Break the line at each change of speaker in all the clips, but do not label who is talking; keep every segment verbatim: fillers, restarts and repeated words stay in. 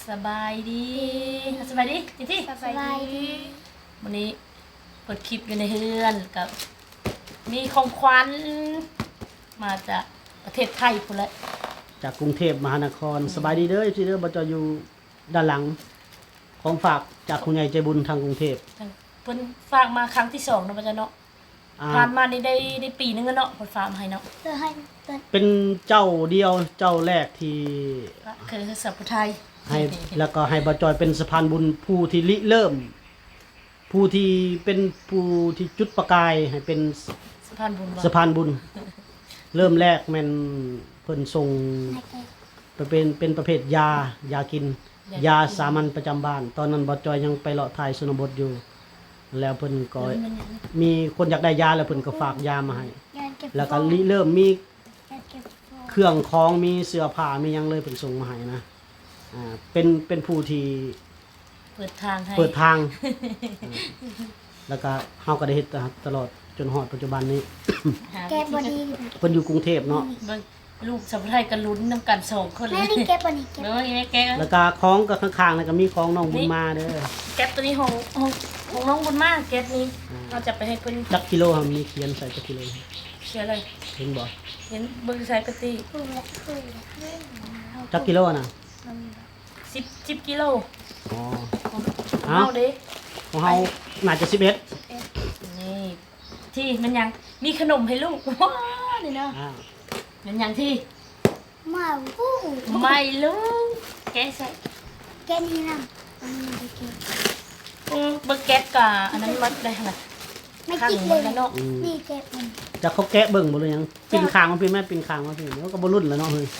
สบายดีสบายดีจิที่
สบายดี
วันนี้เปิดคลิปอยู่ในเฮือนกับมีของขวัญมาจากประเทศไทยพุ่นแหละ
จากกรุงเทพมหานครสบายดีเด้อพี่เด้อบจอยู่ด้านหลังของฝากจากคุณยายใจบุญทางกรุงเทพ
เพิ่นฝากมาครั้งที่สองเนาะพ่อจ้ะเนาะ
อ่า
ผ่านมานี่ได้ได้ปีนึงแล้วเนาะเพิ่นฝากมาให้เนาะ
เธอให้เธอ
เป็นเจ้าเดียวเจ้าแรกที่
ก็คือสัพพุไทย
ให้แล้วก็ให้บจอยเป็นสะพานบุญผู้ที่ริเริ่ม ผู้ที่เป็นผู้ที่จุดประกายให้เป็น
สะพานบุญบ่
สะพานบุญ เริ่มแรกแม่นเพิ่นส่ง
ให้แก
ไปเป็นเป็นประเภทยายากิน ยาสามัญประจำบ้าน ตอนนั้นบจอยยังไปเลาะถ่ายชนบทอยู่ แล้วเพิ่นก็มีคนอยากได้ยาแล้วเพิ่นก็ฝากยามาให้
งานเก็บ
แล้วก็ริเริ่มมี
งานเก็บฟอง
เครื่องของมีเสื้อผ้ามีหยังเลยเพิ่นส่งมาให้นะอ่าเป็นเป็นผู้ที่
เปิดทางให้
เปิดทางอ่าแล้วก็เฮาก็ได้เฮ็ดตลอดจนฮอดปัจจุบันนี้
หา
แกบอดี
เพิ่นอยู่กรุงเทพเนาะ
เบิ่งลูกสัพพุไทยก็ลุ้นนํกันสองคนเล
แม่
ย
นี่แกบอดีแกบ
เบิ่งว่าแม่แก
แล้วก็ของก็ข้างๆแล้วก็มีของน้องบุญมาเด้อ
แก๊ปตัวนี้ของของของน้องบุญมากแก๊ปนี้เราจะไปให้เพิ่น
จักกิโลครับมีเขียนใส่จักกิโล
เชื่อเลย
เห็นบ่
เห็นเบิ่งใส่กะติ
คู่ละคู่ละ
จักกิโลน่ะ
สิบสิบกิโล
อ๋อ
ของ
เอ้า
เฮาเด้
ของเฮาน่าจะสิบเอ็ด
นี่ที่มันยังมีขนมให้ลูก ว้านี่เนาะ
อ่า
มันยังที่
มาวู้
ไม่ลูกแกะใส่
แกนี่นะอันนี้ไปเก็บ
อืมเบิ่งแก๊ปกะอันนั้นมัดได้ขนาด
ไม่
ข้าง
กิน
มั
เลย
นแล้วเนาะ
นี่แกบมัน
จะเขาแกะเบิ่งบ่เลยยังปินคางมาพี่แม่ปินคางมาพี่แล้วก็บ่รุ่นแล้วเนาะเฮ้ย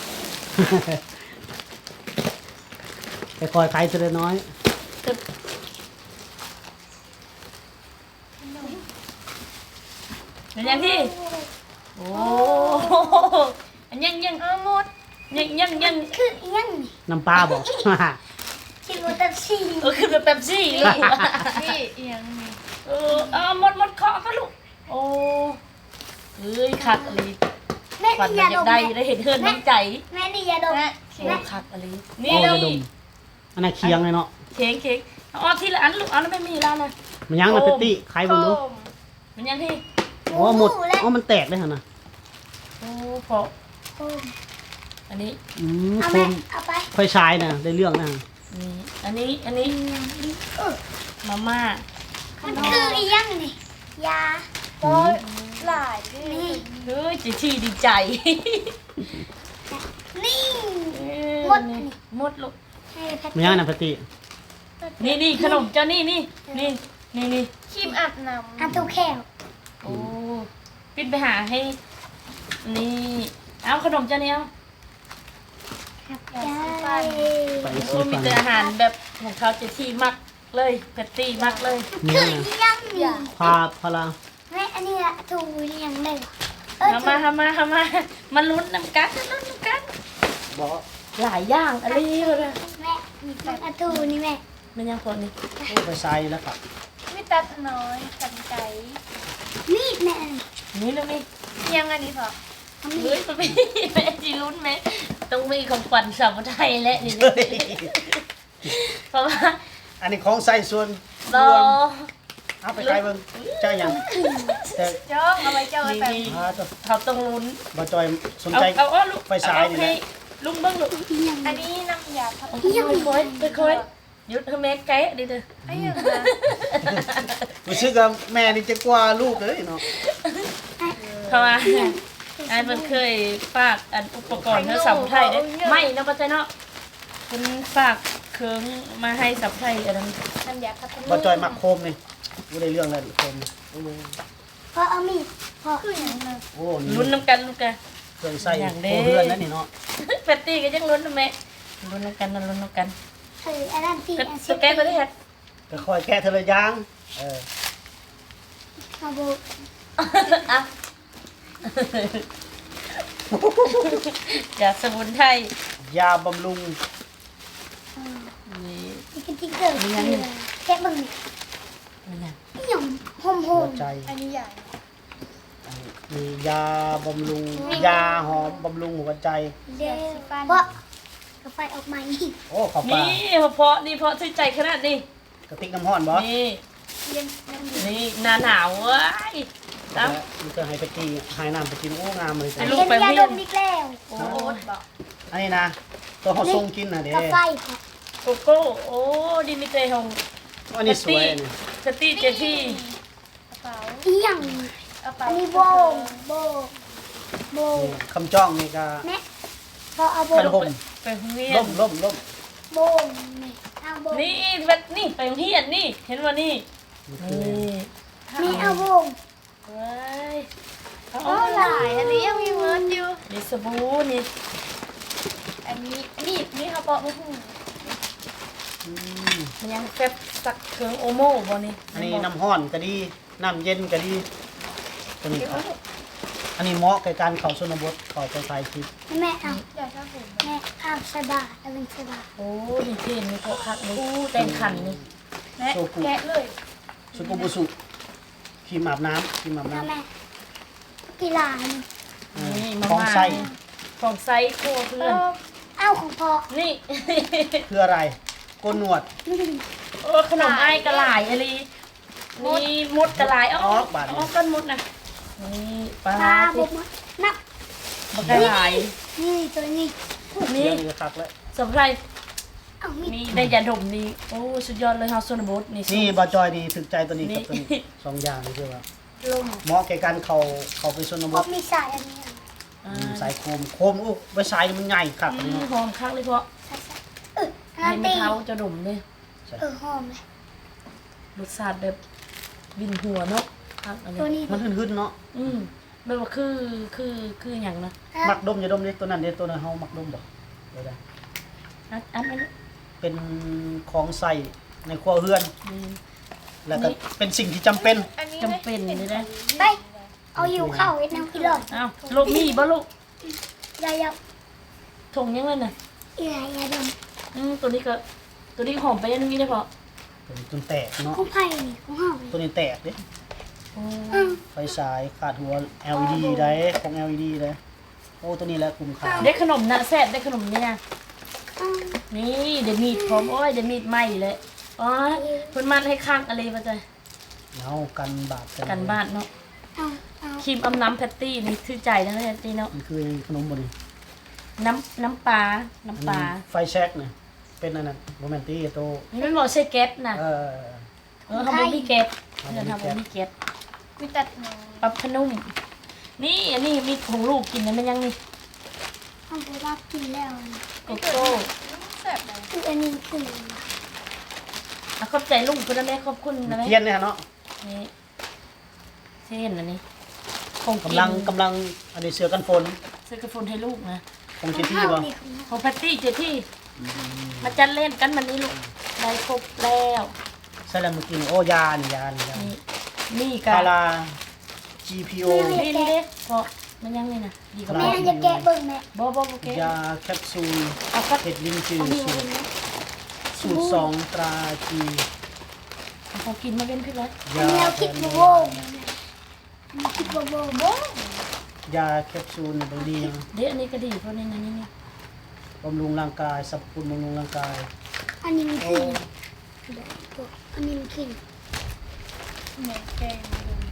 ค่อยๆไขทีละน้อย
ตึบมันยังที่โอ้อันยังยังเอาหมดยังยังยัง
คืออีหยังนี่
น้ำปลาบ่
คิดว่าตัดซี่
เออคือแบบเป๊ปซี่ลูก
นี่อีหยังนี่
เออเอาหมดหมดเคาะก็ลูกโอ้เอ้ยคักอะไร
แม่
ฝัน
นี่
อย
าด
ยาก
ม
ได้ได้เห็นเฮือนน้ำใจ
แม่นี่ยาดม
โอ้คักอะไรนี่
โอ้
เลย
ยดมอันนั้นเคียงเลยเนาะ
เค้กเค้กเอาเอาทีละอันลูกเอาแล้วไม่มีแล้วนะ
มันยังนะเปตตี้ไขเบิ่งดู
มันยังที่
อ๋อหมดอ๋อมันแตกเลยหั่นน่ะ
โอ้พอ
โอ้
อันนี้
อืม
เอา
ค
แม่
ม
เอาไป
ค่อยใช้น่ะได้เรื่องนะ
นี่อันนี้อันนี้
เออ
มาม่า
มันคืออีหยังนี่ยา
อืม
หลายนี่
เฮ้ยจีที่ดีใจ
นี่
เออ
หมด
นี่หมดลูก
ให้แพท
มันยังนะเปตตี้
นี่นี่ขนมเจ้านี่นี่นี่นี่นี่
ครีมอาบน้ำอันตุกแก้ว
โอ้ปิดไปหาให้นี่เอาขนมเจ้านี่เอา
ครับได้
ไป
โอ้
ซื้อ
มี
ฟัน
แต่อาหารแบบของเขาจะที่มักเลยแพตตี้มักเลย
เนี่
คื
ย
อ
นะ
อีหยังนี่
พาพาลา
แม่อันนี้ละถูอีหยังได้เออ
ทำมาทำมาทำมามาลุ้นน้ำกันลุ้นน้ำกัน
บ่
หลายอย่างอะไรเลย
แม่มีคนอะถูนี่แม่
มันยังคนนี่
ไปใส่แล้วครับ
ไม่ตัดน้อยกันไก่
มีดแม่
นี่เลยนี่
ยังอันนี้พอ
เอามี
เฮ้ย
ด
มันไม่แม่จีลุ้นไหมต้องมีของขวัญสาวไทยและนี่เพราะว่า
อันนี้ของใส่ส่วน
รอ
เอาไปใส่เบิ่งเจ้าหยังแต่
จ้องเอาไว้เจ้าไว้
นี่
แบบ
นี่
อ่าตัว
เขาต้องลุ้น
บ่จอยสน
เอา
ใจ
เอาเอาลูก
ไฟฉายนี่นะ
ให้ลุงเบิ้งลูก
อีหยัง
อันนี้น้ำยาพัด
เอาไปค่อยไปค่อยหยุดให้แม่แกะดิเด้อ
ไอ้ยังไง
รู้สึกว่าแม่นี่จะกว่าลูกเลยเนาะ
เพราะว่าไอ้มันเคยฝากอันอุปกรณ์เธอสาวไทยเด้อไม่นะปัจจัยเนาะคุณฝากเครื่องมาให้สาวไทยอันนั้น
น้ำยาพัดลม
บ่จอยมักโคมนี่บ่ได้เรื่องแล้วดิโคมนี่โอ้โห
พอเอามีดพอ
คืออย่างนั้น
โอ้นี่
ลุ้นน้ำกันลูกกัน
เครื่องใส่
อย่างเด้
โคเรือนนั่นนี่เนาะ
แพตตี้ก็ยังลุ้นนะแม่ลุ้นน้ำกันนะลุ้นน้ำกัน
คืออันนั้นที่
ก็
อัน
สแกนไปได้เฮ็ด
ก็ค่อยแกะทีละอย่างเออ
เอาบุ
อ่ะจากสมุนไพร
ยาบำรุง
นี่
นี่คือที่เกิดคืออะไรแกะเบิ่งนี่
มันน่ะ
อีหยังหอมห
หั
อ
ว
ม
ใจ
อันนี้ใหญ่
มียาบำรุงยาหอมบำรุงหัวใจ
เดี๋ยวเพราะก็ไฟออกมาอีก
โอ้ข้าวปลา
นี่เพาะนี่เพาะชื่นใจขนาดนี้
กระติกน้ำร้อนบ่
นี่
เย็นยังดี
นี่หนาหนาวเว้ยตาม
มันจะให้ไปกินให้น้ำไปกินโอ้งามเลย
ไอ้
จ้ะ
ลูก
เห็น
ไป
ยา
เวี
ด
ยน
มอีกแล้ว
โอ้
โอ๊ตบอก
อันนี้นะตัวเฮาส่งกินน่ะเด้
ก็ไฟค่ะ
โกโก้โอ้ดิมิเตของ
อันนี้สวยอันนี้
สตีเจที่
กระเป๋า
อีหยัง
กระเป๋า
อันนี้โบงโบงโบง
นี่คำจ้องนี่ก็
แม่พอเอาโบ
ก
ง
ระห่ม
ไปโรงเรีย
ล่
น
มล่มล่ม
โบงนี่เอาโบง
นี่แบบนี่ไปโรงเรียนนี่เห็นว่านี่
นี่คือ
นี่
นี่เอาโบง
เว้ยเอา
โอ้หลายอันนี้ยังมีเมิร์ดอยู่
นี่สบู่นี่
อันนี้นี่นี่เขาบอกว่าหู
อืม
มันยังแฟบสักเครื่องโอโมบ่นี่
อันนี้น้ำร้อนก็ดีน้ำเย็นก็ดีตัวนี้ครับอันนี้เหมาะกับการเข้าชนบทเข้าไปถ่ายคลิป
แม่เอา
อยากชอบผม
แม่เอาใส่บาตรเอาเป็นใส่บาตร
โอ้นี่เทนนี่โคคักนี่แต่งขันนี่
แม่แกะเลย
สุกุบุสุครีมอาบน้ำครีมอาบ
นะ
น้ำ
แม่กีฬานี่
อืม
นี่มา
ของ
มา
ใส่
ของไซโคเพื่อน
เอาของพ่อ
นี่
คืออะไรโกนหนวด
โอ้ขนมไอ้กระหลายอะไรนี่มดกระหลายอ๋ออ๋อก้อนมดนะนี่ปลา
ปลา
สิ
บกมานับ
บักกระหลาย
นี่ตัวนี้
นี่
เดี๋ยวคักแล้ว
สำหรับ
เอามี
นี่ได้ยาดมนี่โอ้สุดยอดเลยเฮาโซนบดนี่
นี่บาจอยนี่ถึกใจตัวนี้
นี่
กับตัวนี้สองอย่างนี่คือว่า
ลม
เหมาะแก่การเข้าเข้าไปชนบ
พอ
ท
มีสายอันนี้อ่ะ
อ่า
อืมสายโคมโคมโอ้ไว้สายนี่มันใหญ่คัก
อื
นี่
ม
เนาะ
หอมคักเลยเพราะ
ใช่ใช่เอออัน
ให้
นั้น
ไม่
ตี
เท้าจะดมเลย
เออหอมเลย
รสชาติแบบวินหัวเนาะคักอัน
ตัว
นี้
นี้
มันหึ่นๆเนาะ
อืมแบบว่าคือคือคืออย่างนะ
มักดมอย่าดมเด้ตัวนั้นเด้ตัวนั้นเฮามักดมบ่เดี๋ยวได้
อันอันนั้น
เป็นของใส่ในครัวเรือน
นี่
แล้วก็เป็นสิ่งที่จำเป็น
อันนี้
จำเป็นเลยนะ
ไปเอาอยู่เข้าไอ้น้ำกินเลย
อ้าวลูกมีบ่ลูก
ยายา
ถงยังเลยน่ะ
อีไรยาดม
อืมตัวนี้ก็ตัวนี้หอมไปยังนี้ได้พอ
เป็นจนแตกเนาะ
ของไผ่นี่ของเฮานี่
ตัวนี้แตกเด้
โอ้
อืม
ไฟฉายขาดหัว แอล อี ดี ได้ของ แอล อี ดี ได้โอ้ตัวนี้แหละคุ้มค่า
ได้ขนมนะแซ่บได้ขนมนี่นะ
อืม
นี่เดี๋ยวมีดพร้อมโอ้ยเดี๋ยวมีดไหม้เลยอ๋อเพิ่นมัดให้ข้างอะไรมาจ้ะ
เอากันบาด
กันบ้านเนาะ
เอาเอา
ครีมอำน้ำแพตตี้นี่ชื่อใจนะแพตตี้เนาะ
มันคือขนมบ่นี่
น้ำน้ำปลาน้ำปลา
ไฟแช็กเนี่ยเป็นอันนั้นโมเมนตี้โต
นี่มันบอกใช่แก๊สนะ
เออ
เออทำบุมีแก๊สเพื่อนทำบุมีแก๊ส
มีตัดหนู
ปรับพนุ่มนี่อันนี้มีของลูกกินนะมันยังนี่
เอาไปรับกินแล้วนี่
โกโก้
แซ่บเลย
คืออันนี้คือ
อ่ะขอบใจลุงคุณนะแม่ขอบคุณนะแม่
เทียนเนี่ยเนาะ
นี่เช่นอันนี้ของกิน
กำลังกำลังอันนี้เสือกันฝน
ซื้อกระฟุนให้ลูกนะ
ของ
ข
เจ
อง
ที่
เฮา
บ่
นี่ของเฮา
ของแพตตี้เจที่มาจัดเล่นกันมันนี้ลูกได้ครบแล้ว
ใช่แล้วเมื่อกี้นี่โอ้ยานี่ยานี่ยา
นี่นี่กั
พารา จี พี โอ
นี่นี่เด้เพราะมันยังนี่นะดีกว่า
แม่
แม่
จะแกะเบิ่งแม่
บ่บ่บ่เก
ยาแคปซูล
เอาสัก
เห็ดลิงจือ
เอาดี
สู
มา
ต
เป็น
ร
นะ
สูตรสองตราจี
เอาของกินมาเป็นพี่ร้อย
อัน
ยา
นี้เรา
แผ
คิด
น
บ่
โบ
โบ
ราณ
อันนี้คิดบ่โบโบ
ยาแคปซูลบางดียัง
เด้อันนี้ก็ดีเพราะในนั้นนี่นี่
บำรุงร่างกายสรรพคุณบำรุงร่างกาย
อันนี้มันคืออันนี้มันคือ
เหมือนแกง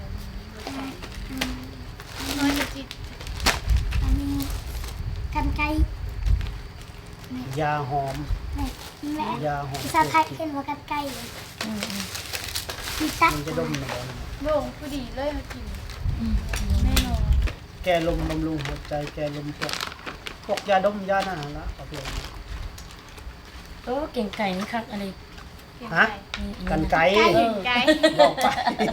น้อยจะจิต
อันนี้กันไก่
ยาหอม
แม่แม่
ยาหอม
ภาษาไทยเขียนว่ากันไก่
อืมอืม
มีตัก
มันจะดมหนอน
โด่งพอดีเลยมากิน
อืม
แน่นอน
แก้ลมบำรุงหัวใจแก้ลมพวกพวกยาดมยาหนาละประเภทนี้
โอ้เก่งไก่นี่คักอะไร
เก่ง
ฮะ
ไก่
นี่
กันไก่
เอ
เก่
อง
ไก่
บอกไป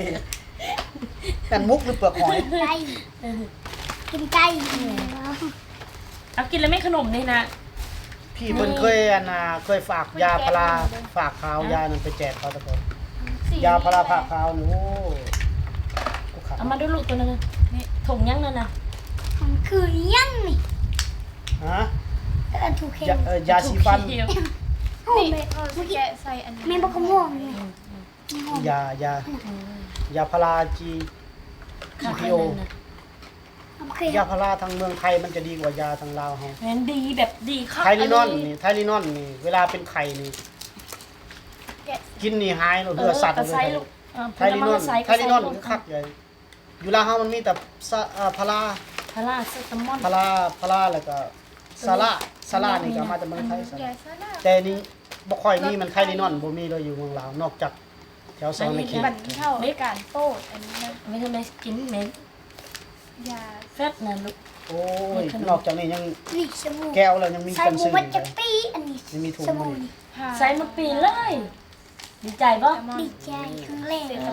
กันมุกหรือเปลือกหอย
ไก่
เออ
กินไก่
เอากินแล้วไม่ขนมนี่นะ
พี่เพิ่นเคยอันน่ะเคยฝากยาพาราฝากขาวยานั่นไปแจกเขาตะกอน
สี
ยาพาราผ่าขาวนี่โอ้กูขาด
เอามาดูลูกตัวนั้นนะนี่ถุงยังนั่นนะ
มันคือยังนี่
ฮะ
เออถูกเข็ม
ยาเอ่อยาสีฟัน
ถูกเขียว
โอ้
นี่
แม่
เออ
เมื่อกี้
แกะใส่อันนี้
แม่บอกขโมยเลย
อืมอืม
มีหอม
ยายา
อืม
ยาพาราจี
คัก
พี
อัน
โอ
นั้นนะ
อโอเค
ยาพาราทางเมืองไทยมันจะดีกว่ายาทางลาวเฮา
แม่นดีแบบดีคัก
ไทลินอน
เลย
นี่ไทลินอนนี่เวลาเป็นไข้นี่
แกะ
กินนี่หายแล้วเลือดสัตว์
กระ
เล
ไซ
ย
ลูกเออ
ไทลินอน
ผลไม้
ไทลินอนคือคักใหญ่อยู่ลาวเฮามันมีแต่ซะอ่าพารา
พาราเซตามอน
พาราพาราแล้วก็ซาร่าซาร่านี่ก็มาจากเมืองไทยซะ
แกะซะแล้ว
แต่นี่บ่ค่อยมีมันไทลินอนบ่มีเลยอยู่เมืองลาวนอกจากแถวซอยในเขต
บันเท่าในการโต้อันนี้นะ
ไม่ทำไมกินเหม็น
ยา
แฟตนะลูก
โอ้ยนอกจากนี้ยัง
นี่สบู่
แก้วแล้วยังมี
ใส่
กัน
บู
ซื้อ
มัน
อี
จะ
ก
ปีอันนี้
ยังมีถุง
ส
มื
บู่
อ
นี่
ใส่มาปีเลย ดีใจป่ะ
ดีใจครั้งแรกเลย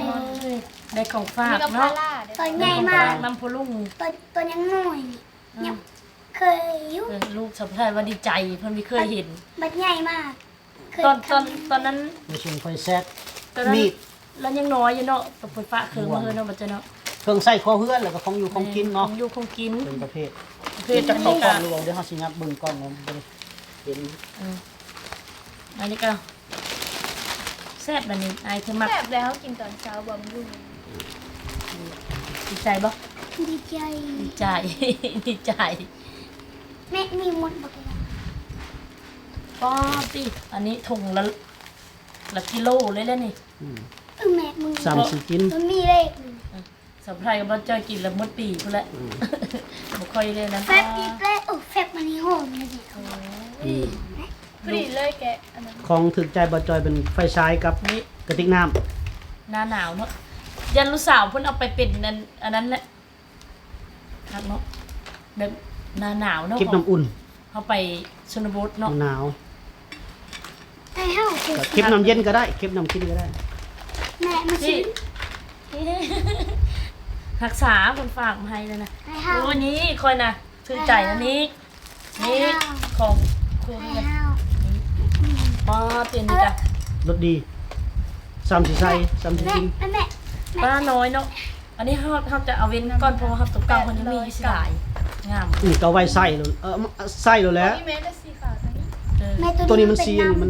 ได้ของฝาก
มีกับพา
เนาะ
ร่าเดี๋ยว
ตอนใหญ่มาก
น้ำพลุง
ตัวตัวยังน้อยนี่ยังเคยอยู่
เออลูกสะพ้ายว่าดีใจเพิ่นไม่เคยเห็น
บัดใหญ่มากเคย
ตอนตอน
ทำ
ตอนนั้น
ในชุมไฟแซด
ตอนนั้น
มีด
แล้วยังน้อยอยู่เนาะตะปุยฟ้าเคืองมาเฮือเนาะบัดเจ้าเนาะ
เครื่องใส่คอเฮือนแล้วก็ของอยู่ของกินเนาะ
ของอยู่ของกิน
เป็นประเภท
ประ
เพื่อ
ภ
จะ
ท
เข้า
นี้
กล้
ก็
องดูเอาเดี๋ยวเฮาสิงับเบิ่งกล้องมันบ่ได้เห็น
เอออันนี้ก็แซ่บแบบนี้อายเธอมัก
แซ่บแล้วกินตอนเช้าบำรุง
ดีใจบ่
ดีใจ
ดีใจ ดีใจ
แม่มีมดบักเลย
ป้อติอันนี้ถุงละละกิโลเลยแล้วนี่
อืม
เออแม่มึง
สามสิกิน
มันมีเลขหนึ่ง
สำไพรก็บ่จ้อยกินละหมดปีพุ่นแหละ
อืม
บ่ค่อยเลยนะ
แฟบอีกแล้วโอ้แฟบมันนี่โหดเลยสิ
อืม
พอดีเลยแกะอันนั้น
ของถึกใจบ่จอยเป็นไฟฉายกับ
นี่
กระติกน้ำ
หน้าหนาวเนาะยันลูกสาวเพิ่นเอาไปเป็นอันอันนั้นแหละครับเนาะแบบหน้าหนาวเนาะ
เก็บน้ำอุ่น
เขาไปชนบทเนาะ
หนาว
ไอ้เฮ้าคือ
ก็เก็บน้ำเย็นก็ได้เก็บน้ำกินก็ได้
แม่มา
ที่
ซื้อ
รักษาคนฝากมาให้เลยนะ
ไอ้เฮ้า
โอ้นี้คอยนะถือใจอันนี้นี่ของคุณ
ไอ้
เนี่ย
เฮ้า
ป้าเตียนนี่จ้ะ
รสดีสามสิใส่สามสิ
แม่
กิน
แม่แม่
ป้าน้อยเนาะอันนี้เขาเขาจะเอาเว้นก่อนเพราะว่าเขาตกเก่าคนนี้มีอยู่สิหลายงาม
นี่ก็เอาไว้ใส่เลยเออใส่เลยแหล้ว
นี่แม่จะสีขาวทั้งนี้
เออ
แม่
ตัวนี้มันซีนมัน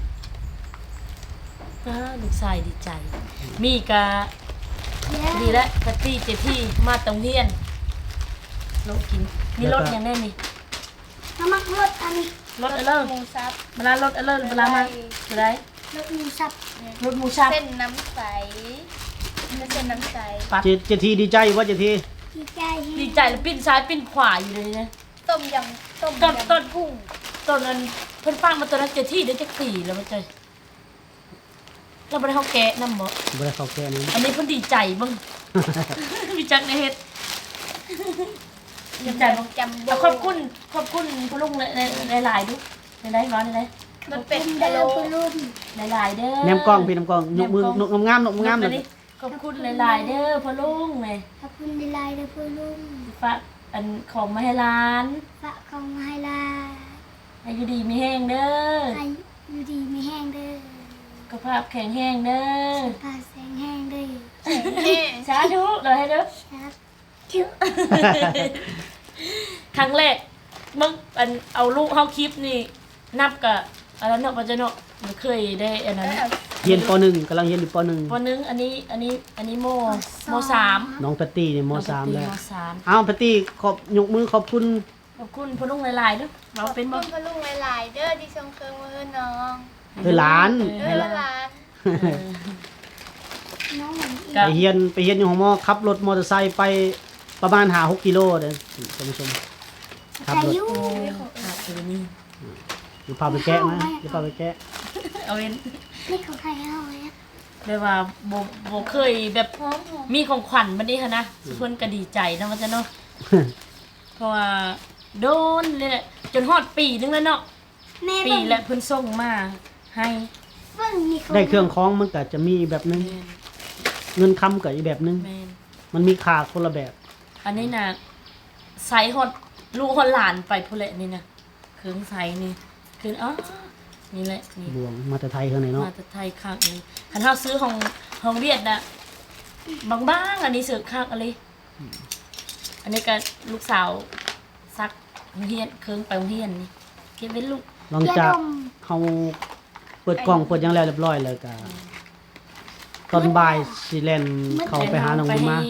ป้าลูกชายดีใจ มีกะ
ดี
ดีแล้วกะตี้เจที่มาตรงเฮียนรถกินมีรถอย่างแน่นี่
น้ำมันรถอันนี้
รถอะไร
หมูซับ
เวลารถอะไรเวลามาอะไร
รถมูสับ
รถหมูชับ
เส้นน้ำใสไม่เส้นน้ำใส
ปัด
เจเจทีดีใจว่าเจที
ดีใจ
ดีใจแล้วปิ้นซ้ายปิ้นขวาอยู่เลยนะ
ต้มยำต้ม
ต้น
ยำ
ต้น
กุ้ง
ตอนนั้นเพิ่นฟังมาตอนนั้นเจที่ได้จักปีแล้วมาใจเราบ่ได้เฮาแกะนำบ่
บ่ได้เข้าแก่นี้
อันนี้เพิ่นดีใจเบิ่ง มีจักในเฮ็ดดีใจบ่
จำโบ
เอาขอบคุณขอบคุณผู้ลุงในหลายๆดูในได้ร้อนในได้
มันเป็น
เดิ
กะโหล
นไปรุ่น
หลายๆเด้อ
แนมกล้องพี่น้ำกล้องนกมือนกงามๆนกงาม
เล
เลย ย
ขอบคุณหลายๆเด้อพ่อลุงเลย
ขอบคุณดีไลน์เด้อพ่อลุง
ฝากอันของมาให้ร้าน
ฝากของมาให้ลา
ให้อยู่ดีมีแห้งเด้อ
ให้อยู่ดีไม่แห้งเด้อ
สุขภาพแข็งแรงเด้อ
พาแสงแห้งเด้อ
แม่
สาธุเลยให้เด้อ
ครับคิว
ครั้งแรกมึงอันเอาลูกเฮาคลิปนี่นับกับอันนั้นเนาะบ่จะเนาะมันเคยได้อันนั้น
เรียนป หนึ่งกำลังเรียนอยู่ป หนึ่ง
วันนึงอันนี้อันนี้อันนี้โมโมสาม
น้องแพตตี้นี่ม สามแล้ว
มสาม
อ้าวแพตตี้ขอบยกมือขอบคุณ
ขอบคุณพ่อลุงหลายๆเด้อเราเป็น
ข
บ่
อบคุณพะลุงหลายๆเด้อที่ชมเครื่องมือน้อง
เออหลาน
เด้อหลาน
น้องเหมือนอีก
ไปเรียนไปเรียนอยู่ของมอขับรถมอเตอร์ไซค์ไปประมาณห้าหกกิโลเด้อท่านผู้ชมขับ
ใคร
รถ
อยู่
โอ้ขาดตัวนี้
อยู่พาไปแกะนะอยู่พาไปแกะ
เอาเว้น
ไม่ของใครเอาไว้อะ
แบบว่าบ่บ่เคยแบบ
หอมหอม
มีของขวัญบัดนี้ค่ะนะเพิ่นก็ดีใจนะว่าจะเนาะเพราะว่าโดนเลยแหละจนฮอดปีนึงแล้วเนาะ
แม่
ปี
เบิ่ง
และเพิ่นส่งมาให้
เบิ่งมีของ
ได้เครื่องคล้องมันก็จะมีแบบนึงเงินคำก็อีกแบบนึง
แม่น
มันมีค่าคนละแบบ
อันนี้น่ะใส่ฮอดลูกฮอดหลานไปพุ่นแหละนี่นะเครื่องใส่นี่คืออ๋อนี่แหละนี่
บวงมาแต่ไทยข้างในเนาะ
มาแต่ไทยคักนี่คันเฮาซื้อของของเวียดน่ะบางๆอันนี้ซื้อคักอะไรอันนี้ก็ลูกสาวซักโรงเรียนเครื่องไปโรงเรียนนี่เก็บไว้ลูก
หลังจากเฮาเปิดกล้องเปิดหยังแล้วเรียบร้อยแล้วก็ตอนบ่ายสิแล่นเข้าไปหาน้องบุญมา
ให้ให้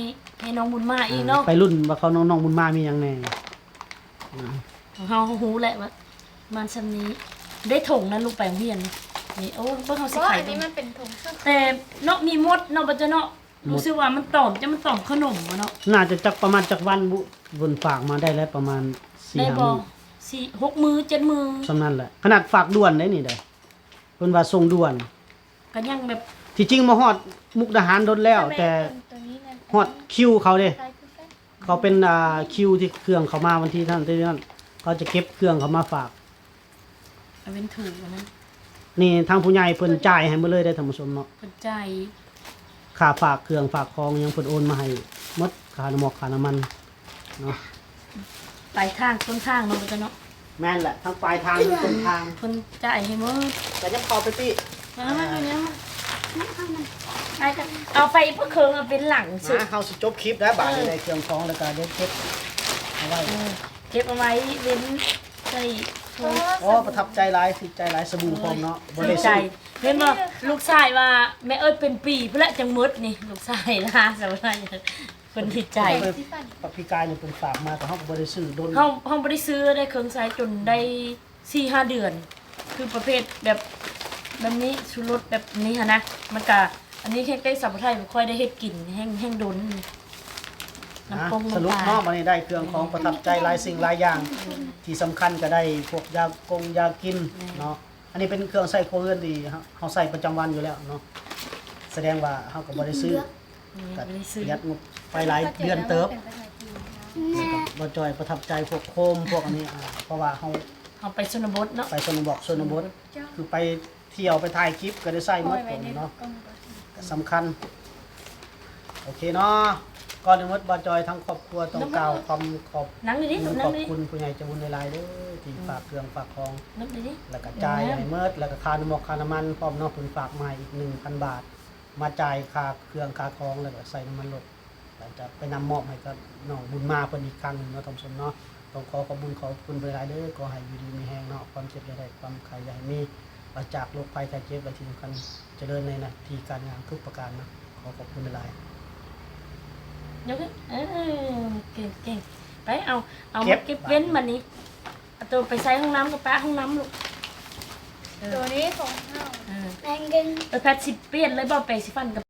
ให้น้องบุญมาอีกเนาะ
ไปรุ่นว่าเขาน้องๆบุญมามีหยังแน่อ่า
ของเฮาฮู้แหละว่ามันซำนี้ได้ถงนั้นลูกไปโรงเรียนนี่โอ้เบิ่งเฮา
เพ
สิ
ราะว่า
ไข่
อัน
เบิ่
นี้
ง
มันเป็นถุงเสื้อ
แต่เนาะมีมดเนาะบ่จะเนาะรู้สึกว่ามันตอมจะมันตอมขนมบ่เนาะ
น่าจะจักประมาณจักวันบุบนฝากมาได้แล้วประมาณสี่
ได้
ห้า
บ่
มื้อ
สี่หกมื้อเจ็ดมื้อ
สำนั้นแหละขนาดฝากด่วนได้นี่ได้เพิ่นว่าส่งด่วน
ก็ยังแบบ
ที่จริงมาฮอดมุกดาหารโดนแล้ว แต่
ตัวนี้นะ
ฮอดคิวเขาเด้
คล้ายคือกัน
เขาเป็นอ่าคิวที่เครื่องเขามาวันที่นั้นที่นั้นเขาจะเก็บเครื่องเขามาฝาก
เอาเป็นถูกอันนั้น
นี่ทางผู้ใหญ่เพิ่นจ่ายให้หมดเลยได้อท่านผู้ชมเนาะ
เพิ่นใจาย
ค่าฝากเครื่องฝากของยังเพิ่นโอนมาให้หมดค่าน้ำมันค่าน้ำมันเนาะ
ปลายทางต้นทางเนาะบ่จะเนาะ
แม่นแหละทั้งปลายทางทั้งต้นทาง
เพิ่นจ่ายให้หมด
แต่ยังพอไปติ
มามาอยู่เนี่ยมาไปกันเอาไปเพื่อเคิงเอาเป็นหลังสุด
มาเฮาสิจบคลิปแล้วบาดนี้ได้เครื่องของแล้วก็ได้เก็บเอาไว้
เออเก็บเอาไว้เว้นใส่
เพราะว่า
โอ้ประทับใจหลายสิใจหลายสบู่พร้อมเนาะบ่
ใส่
ได้
ใจ
ซื้อ
เห็นบ่ลูกชายว่าแม่เอ้ยเป็นปีเพื่อจังมดนี่ลูกชายนะสำหรับคนที่ใจ
แปรงสีฟัน
ปักพี่กายเนี่ยเพิ่นฝากมาแต่เฮาก็บ่ได้ซื้อโดน
เฮาเฮาบ่ได้ซื้อได้เครื่องใช้จนได้ สี่ห้า เดือน คือประเภทแบบแบบนี้ชูรสแบบนี้หั่นนะมันก็อันนี้แค่ได้สับปะไทยบ่ค่อยได้เฮ็ดกินแห้งแห้งดน
นะ
น้ำปง
สรุป
น้ำป
เนาะ
ลา
วันนี้ได้เครื่องของประทับใจหลายสิ่งหลายอย่าง ที่สำคัญก็ได้พวกยากงยากินเนาะอันนี้เป็นเครื่องใส่โคเรือนดีครับเฮาใส่ประจำวันอยู่แล้วเนาะแสดงว่าเฮาก็บ่ได้ซื้อ
บ่ได้ซื้อ
ประหยัดงบไปหลายเดือนเติบ
เป็นภาษาจีนนะ
บ่จอยประทับใจพวกโคมพวกอันนี้อ่าเพราะว่าเฮา
เฮาไปชนบทเนาะ
ไปชนบทชนบทคือไปเที่ยวไปถ่ายคลิปก็ได้ใส่หม
ปล่อ
ด
ยไว้ใน
เนาะ
กล้องก่อน
ก็สำคัญโอเคเนาะก่อนอื่นหมดบ่จอยทั้งครอบครัวต้องกล่าวความขอบ
นั่งดิดิ
ข
นั่
อง บ
ดิ
คุณผู้ใหญ่ใจบุญในลายๆเด้อที่ฝากเครื่องฝากของ
นั่งดิดิ
แล้วก็จ่ายให้เมิดแล้วก็ค่าน้ำมันค่าน้ำมันพร้อมเนาะเพิ่นฝากมาอีก หนึ่งพัน บาท มาจ่ายค่าเครื่องค่าของแล้วก็ใส่น้ำมันรถแล้วจะไปนำมอบให้กับน้องบุญมาเพิ่นอีกครั้งหนึงเนาะท่านผู้ชมเนาะต้องขอขอบคุณขอบคุณหลายๆเด้อขอให้อยู่ดีมีแรงเนาะความเจ็บอย่าได้ความไข้อย่าให้มีปราศจากโรคภัยไข้เจ็บและที่สำคัญเจริญในหน้าที่การงานทุกประการนะขอขอบคุณหลาย
ยกขึ้นเออเก่งเก่งไปเอาเอามาเก็บเว้นมานี้เอาตัวไปใส่ห้องน้ำกับป้าห้องน้ำลูกเอ
ตัว
อ
นี้ของเฮา
เออ
แมงกิน
เออแพทย์สิเปลี่ยนเลยบ่ไปสิฟันกับ